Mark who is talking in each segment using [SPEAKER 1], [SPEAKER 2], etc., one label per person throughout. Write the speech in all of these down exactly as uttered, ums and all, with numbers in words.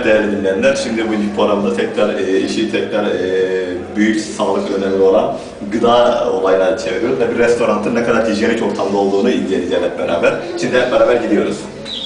[SPEAKER 1] Evet değerli dinleyenler, şimdi bu ilk programda tekrar e, işi tekrar e, büyük sağlık önemi olan gıda olayına çeviriyoruz ve bir restoranın ne kadar hijyenik ortamda olduğunu inceleyeceğiz hep beraber. Şimdi hep beraber gidiyoruz.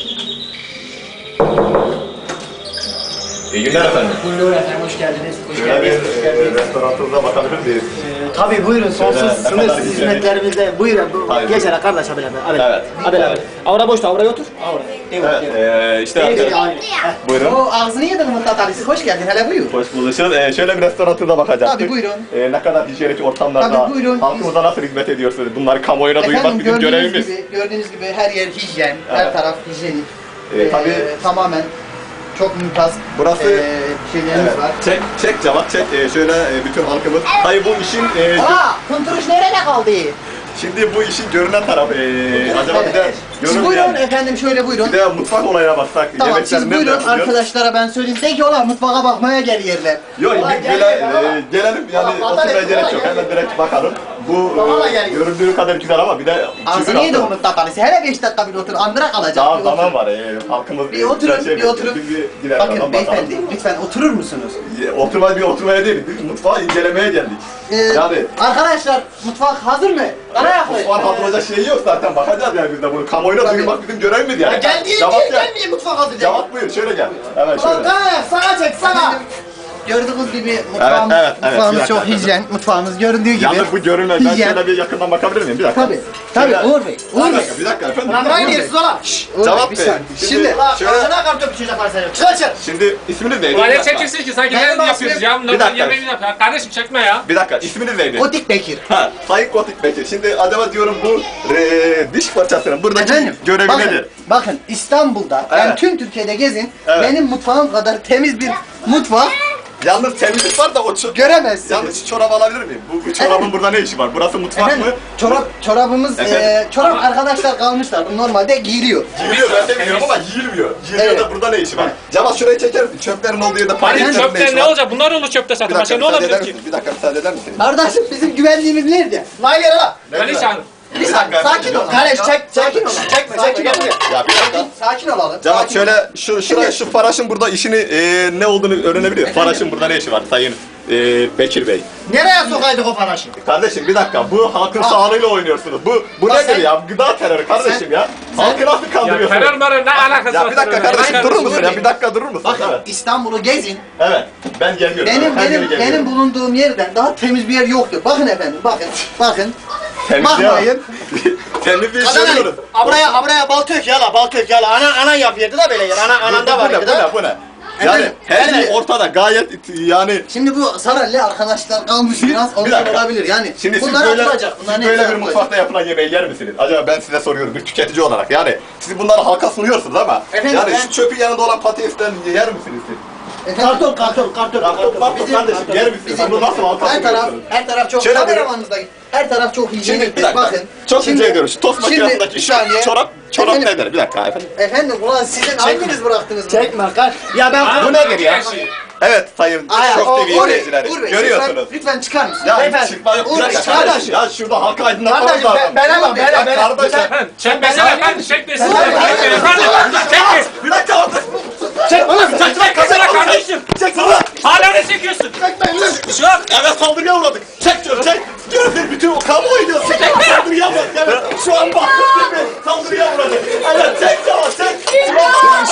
[SPEAKER 1] İyi günler efendim.
[SPEAKER 2] Buyurun efendim, hoş geldiniz. Hoş
[SPEAKER 1] Şöyle bir
[SPEAKER 2] geldiniz. Hoş
[SPEAKER 1] e,
[SPEAKER 2] geldiniz.
[SPEAKER 1] restoranınıza bakabilir miyiz?
[SPEAKER 2] Ee, tabii buyurun, sonsuz
[SPEAKER 1] Şöyle, ne
[SPEAKER 2] sınırsız
[SPEAKER 1] kadar
[SPEAKER 2] hizmetlerimizde. Buyurun, bu
[SPEAKER 1] Hayır.
[SPEAKER 2] geçene kardeş abi abi. Abi,
[SPEAKER 1] Evet.
[SPEAKER 2] abi,
[SPEAKER 1] Evet.
[SPEAKER 2] abi. Avra boşta, avraya otur. Avra.
[SPEAKER 1] Evet,
[SPEAKER 2] Evet,
[SPEAKER 1] e, işte
[SPEAKER 2] evet.
[SPEAKER 1] arkadaşlar, buyurun.
[SPEAKER 2] O ağzını yedin Mutlak abisi, hoş geldin, hele buyur.
[SPEAKER 1] Hoş buluşuz. E, şöyle bir restoranınıza bakacaktık.
[SPEAKER 2] Tabii, buyurun.
[SPEAKER 1] E, ne kadar hijyenik ortamlarda
[SPEAKER 2] Tabii, buyurun.
[SPEAKER 1] halkımıza nasıl hizmet ediyorsunuz? Bunları kamuoyuna duyurmak
[SPEAKER 2] Efendim
[SPEAKER 1] bizim
[SPEAKER 2] gördüğünüz
[SPEAKER 1] görevimiz.
[SPEAKER 2] gibi, gördüğünüz gibi her yer hijyen, her
[SPEAKER 1] Evet.
[SPEAKER 2] taraf hijyenik.
[SPEAKER 1] E,
[SPEAKER 2] Ee,
[SPEAKER 1] tabii-
[SPEAKER 2] Tamamen çok mümtaz
[SPEAKER 1] Burası-
[SPEAKER 2] ee, şeylerimiz
[SPEAKER 1] Evet.
[SPEAKER 2] var.
[SPEAKER 1] Çek, çek cevap çek. Ee, şöyle e, bütün halkımız. Hayır bu işin, e, gö-
[SPEAKER 2] Aa, Tunturuş nerede kaldı?
[SPEAKER 1] şimdi bu işin görünen tarafı. E, acaba bir de
[SPEAKER 2] Siz buyurun
[SPEAKER 1] görünmeyen,
[SPEAKER 2] efendim, şöyle buyurun.
[SPEAKER 1] bir de mutfak olayına baksak.
[SPEAKER 2] Tamam,
[SPEAKER 1] yemekler
[SPEAKER 2] siz
[SPEAKER 1] nerede
[SPEAKER 2] buyurun
[SPEAKER 1] yapılıyor?
[SPEAKER 2] arkadaşlara ben söyleyeyim. De ki ola mutfağa bakmaya gel yerler.
[SPEAKER 1] Yok,
[SPEAKER 2] Ulan
[SPEAKER 1] böyle,
[SPEAKER 2] gel, gel,
[SPEAKER 1] e, gelelim yani
[SPEAKER 2] Ulan,
[SPEAKER 1] oturmaya
[SPEAKER 2] vallahi,
[SPEAKER 1] gerek
[SPEAKER 2] ulan,
[SPEAKER 1] yok.
[SPEAKER 2] gel,
[SPEAKER 1] Hemen
[SPEAKER 2] gel.
[SPEAKER 1] direkt bakalım. Bu
[SPEAKER 2] Vallahi
[SPEAKER 1] e,
[SPEAKER 2] gel.
[SPEAKER 1] göründüğü kadar güzel ama bir de
[SPEAKER 2] Ağzını yedi onun tatanesi. Hele beş dakika bir otur. Andıra kalacak.
[SPEAKER 1] daha
[SPEAKER 2] Bir
[SPEAKER 1] zaman
[SPEAKER 2] otur.
[SPEAKER 1] var. E, halkımız
[SPEAKER 2] Bir oturun,
[SPEAKER 1] şey
[SPEAKER 2] bir oturun.
[SPEAKER 1] Bir, bir, gidelim,
[SPEAKER 2] Bakın
[SPEAKER 1] adam
[SPEAKER 2] beyefendi,
[SPEAKER 1] bakalım.
[SPEAKER 2] lütfen oturur musunuz?
[SPEAKER 1] E, Oturmaya bir oturmaya değil, biz mutfağı incelemeye geldik.
[SPEAKER 2] Ee,
[SPEAKER 1] yani
[SPEAKER 2] Arkadaşlar, mutfak hazır mı? Bana yakın.
[SPEAKER 1] mutfağın hatırlayacak şeyi yok zaten. Bakacağız yani biz de bunu. Kamuoyuna
[SPEAKER 2] Tabii.
[SPEAKER 1] duyurmak bizim görevimiz yani.
[SPEAKER 2] Ya gel diye
[SPEAKER 1] Cevap
[SPEAKER 2] diye
[SPEAKER 1] gel.
[SPEAKER 2] gelmeye mutfak hazır.
[SPEAKER 1] Cevap buyur, şöyle gel. Evet,
[SPEAKER 2] Ulan
[SPEAKER 1] şöyle.
[SPEAKER 2] ha, sağa çek, sağa. Gördüğünüz gibi mutfağımız,
[SPEAKER 1] evet, evet,
[SPEAKER 2] mutfağımız
[SPEAKER 1] bir dakika,
[SPEAKER 2] çok
[SPEAKER 1] bir
[SPEAKER 2] hijyen. Mutfağımız göründüğü gibi.
[SPEAKER 1] Yalnız bu görünmez. Ben
[SPEAKER 2] Hijyen.
[SPEAKER 1] şöyle bir yakından bakabilir miyim? Bir dakika.
[SPEAKER 2] Tabii, tabii
[SPEAKER 1] Şöyle-
[SPEAKER 2] Uğur Bey,
[SPEAKER 1] Bir
[SPEAKER 2] Uğur Bey.
[SPEAKER 1] dakika, bir dakika efendim.
[SPEAKER 2] Lan
[SPEAKER 1] Bir dakika.
[SPEAKER 2] aynı yersiz ola. Şşş, Uğur
[SPEAKER 1] Cevap
[SPEAKER 2] Bey, bir
[SPEAKER 1] Bey,
[SPEAKER 2] saniye.
[SPEAKER 1] şimdi
[SPEAKER 2] Şimdi,
[SPEAKER 1] şöyle-
[SPEAKER 2] ağzına kartop düşecekler seni. Çıkar çıkar.
[SPEAKER 1] Şimdi isminiz neydi?
[SPEAKER 3] Ulan
[SPEAKER 1] Bir
[SPEAKER 3] ne
[SPEAKER 1] dakika.
[SPEAKER 3] çekirsin ki sanki
[SPEAKER 2] Benim
[SPEAKER 3] ne yapıyoruz ya?
[SPEAKER 1] Bir
[SPEAKER 3] Bunlar
[SPEAKER 1] dakika.
[SPEAKER 3] yemeğini yapıyor. Kardeşim çekme ya.
[SPEAKER 1] Bir dakika, isminiz neydi?
[SPEAKER 2] Gotik Bekir.
[SPEAKER 1] Ha, Sayın Gotik Bekir. Şimdi acaba diyorum bu e, diş fırçasının buradaki
[SPEAKER 2] Efendim,
[SPEAKER 1] görevi
[SPEAKER 2] bakın,
[SPEAKER 1] nedir?
[SPEAKER 2] bakın İstanbul'da, yani
[SPEAKER 1] Evet.
[SPEAKER 2] tüm Türkiye'de gezin,
[SPEAKER 1] Evet.
[SPEAKER 2] benim mutfağım kadar temiz bir mutfak
[SPEAKER 1] Yalnız temizlik var da o ço-
[SPEAKER 2] göremezsiniz.
[SPEAKER 1] Yalnız şu çorabı alabilir miyim? Bu, bu çorabın
[SPEAKER 2] Efendim?
[SPEAKER 1] burada ne işi var? Burası mutfak
[SPEAKER 2] Efendim,
[SPEAKER 1] mı?
[SPEAKER 2] çorap, çorabımız,
[SPEAKER 1] Efendim?
[SPEAKER 2] eee çorap
[SPEAKER 3] Ama-
[SPEAKER 2] arkadaşlar kalmışlar, bu normalde giyiliyor.
[SPEAKER 1] Giyiliyor ben de biliyorum ama giyilmiyor. Giyiliyor
[SPEAKER 2] Evet.
[SPEAKER 1] da burada ne işi var? Cemal şurayı çeker misin? Çöplerin olduğu yerde
[SPEAKER 3] Hani
[SPEAKER 1] paketlerin ne
[SPEAKER 3] çöpte
[SPEAKER 1] işi
[SPEAKER 3] ne
[SPEAKER 1] var?
[SPEAKER 3] olacak? Bunlar olur çöpte
[SPEAKER 1] Bir
[SPEAKER 3] zaten.
[SPEAKER 1] dakika
[SPEAKER 3] Başka ne
[SPEAKER 1] müsaade eder
[SPEAKER 3] olabilir ki?
[SPEAKER 1] misin? Bir dakika müsaade eder misin?
[SPEAKER 2] Kardeşim bizim güvenliğimiz nerede? Lan yere lan.
[SPEAKER 3] Ali Şahin.
[SPEAKER 2] Bir saniye, sakin ol. Kardeş çek, sakin ol. Çekme, sakin ol.
[SPEAKER 1] Ya bir dakika.
[SPEAKER 2] Sakin olalım.
[SPEAKER 1] Cemal
[SPEAKER 2] sakin
[SPEAKER 1] şöyle
[SPEAKER 2] ol.
[SPEAKER 1] şu şuraya şu Faraş'ın burada işini e, ne olduğunu öğrenebiliyor. Faraş'ın burada ne işi var Sayın e, Bekir Bey?
[SPEAKER 2] Nereye sokaydık o paraşı?
[SPEAKER 1] Kardeşim bir dakika bu halkın
[SPEAKER 2] Bak.
[SPEAKER 1] sağlığıyla oynuyorsunuz. Bu bu
[SPEAKER 2] Bak
[SPEAKER 1] nedir
[SPEAKER 2] sen-
[SPEAKER 1] ya? Gıda terörü kardeşim ya. Halkı nasıl
[SPEAKER 3] Ya
[SPEAKER 1] kandırıyorsunuz?
[SPEAKER 3] terör merör ne alakası var?
[SPEAKER 1] Ya bir dakika
[SPEAKER 3] terörle?
[SPEAKER 1] kardeşim
[SPEAKER 3] Ben
[SPEAKER 1] durur
[SPEAKER 3] kardeşim,
[SPEAKER 1] musun ya? Bir dakika durur musun?
[SPEAKER 2] Bakın
[SPEAKER 1] Evet.
[SPEAKER 2] İstanbul'u gezin.
[SPEAKER 1] Evet. Ben geliyorum.
[SPEAKER 2] Benim
[SPEAKER 1] Her yere
[SPEAKER 2] benim
[SPEAKER 1] geliyorum.
[SPEAKER 2] benim bulunduğum yerden daha temiz bir yer yoktur. Bakın efendim, bakın. Bakın.
[SPEAKER 1] Temizliğe
[SPEAKER 2] bakmayın.
[SPEAKER 1] Temizliği
[SPEAKER 2] Kadın
[SPEAKER 1] söylüyoruz.
[SPEAKER 2] abraya abraya bal tök yala, bal tök yala. Ana anan yapıyordu da böyle yer. Ana ananda var
[SPEAKER 1] Bu ne?
[SPEAKER 2] idi
[SPEAKER 1] Bu
[SPEAKER 2] da.
[SPEAKER 1] ne? Bu ne? Yani
[SPEAKER 2] Efendim,
[SPEAKER 1] her şey
[SPEAKER 2] efendim.
[SPEAKER 1] ortada gayet yani
[SPEAKER 2] Şimdi bu Saralli arkadaşlar kalmış biraz
[SPEAKER 1] bir
[SPEAKER 2] onlar
[SPEAKER 1] dakika.
[SPEAKER 2] olabilir yani.
[SPEAKER 1] Şimdi siz
[SPEAKER 2] bunlar
[SPEAKER 1] böyle,
[SPEAKER 2] atılacak.
[SPEAKER 1] siz
[SPEAKER 2] Bunlar
[SPEAKER 1] böyle bir
[SPEAKER 2] hepsi atılacak.
[SPEAKER 1] mutfakta yapılan yemeği yer misiniz? Acaba ben size soruyorum bir tüketici olarak yani siz bunları halka sunuyorsunuz ama
[SPEAKER 2] Efendim,
[SPEAKER 1] yani
[SPEAKER 2] ben-
[SPEAKER 1] şu çöpün yanında olan patatesten yer misiniz siz?
[SPEAKER 2] Karton, karton, karton.
[SPEAKER 1] Karton, karton kardeşim, yer misiniz? Bunu nasıl halka
[SPEAKER 2] Her taraf,
[SPEAKER 1] sunuyorsunuz?
[SPEAKER 2] her taraf çok
[SPEAKER 1] Şöyle
[SPEAKER 2] kameramanınızda. Her taraf çok
[SPEAKER 1] Şimdi
[SPEAKER 2] hijyenik.
[SPEAKER 1] bir dakika.
[SPEAKER 2] Bakın.
[SPEAKER 1] Çok
[SPEAKER 2] Şimdi-
[SPEAKER 1] rica ediyorum. Şu tost
[SPEAKER 2] şimdi
[SPEAKER 1] makinesindeki
[SPEAKER 2] bir
[SPEAKER 1] şu
[SPEAKER 2] saniye.
[SPEAKER 1] çorap, çorap
[SPEAKER 2] Efendim-
[SPEAKER 1] nedir? Bir dakika efendim.
[SPEAKER 2] Efendim ulan sizin hanginiz bıraktınız? Çekme kar. Ya ben
[SPEAKER 3] Ha,
[SPEAKER 1] Bu nedir ya?
[SPEAKER 3] şey.
[SPEAKER 1] Evet sayın
[SPEAKER 2] Aya,
[SPEAKER 1] Şok
[SPEAKER 2] o-
[SPEAKER 1] T V
[SPEAKER 2] Uğur Bey,
[SPEAKER 1] izleyicileri.
[SPEAKER 2] Uğur Bey,
[SPEAKER 1] Görüyorsunuz.
[SPEAKER 2] Lütfen, lütfen çıkar mısın?
[SPEAKER 1] Ya
[SPEAKER 2] Beyefendi,
[SPEAKER 1] çıkma yok.
[SPEAKER 2] Uğur
[SPEAKER 1] Bir
[SPEAKER 2] Bey,
[SPEAKER 1] dakika
[SPEAKER 2] kardeşim.
[SPEAKER 1] kardeşim. Ya şurada halka aydınlatmamız
[SPEAKER 2] Kardeşim
[SPEAKER 1] lazım.
[SPEAKER 2] ben, bana bak,
[SPEAKER 1] Ya
[SPEAKER 2] bana bak.
[SPEAKER 1] kardeşim.
[SPEAKER 3] Efendim çekmesene efendim çekmesin.
[SPEAKER 2] Ben-
[SPEAKER 3] Efendim çekmesin.
[SPEAKER 1] Bir dakika artık.
[SPEAKER 3] Çek oğlum çekmesene kardeşim.
[SPEAKER 1] Çek sana.
[SPEAKER 3] Hala ne çekiyorsun? Şu an
[SPEAKER 1] Evet saldırıya uğradık. Çek diyor çek. Gördün bütün o kamuoyu diyor. Çek saldırıya uğradık. Evet şu an baktık gibi saldırıya uğradık. Evet çek sana çek.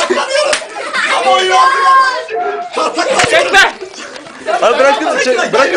[SPEAKER 1] Saklanıyoruz. Kamuoyu uğradık.
[SPEAKER 3] çekme.
[SPEAKER 4] Abi bırakın, çek, bırakın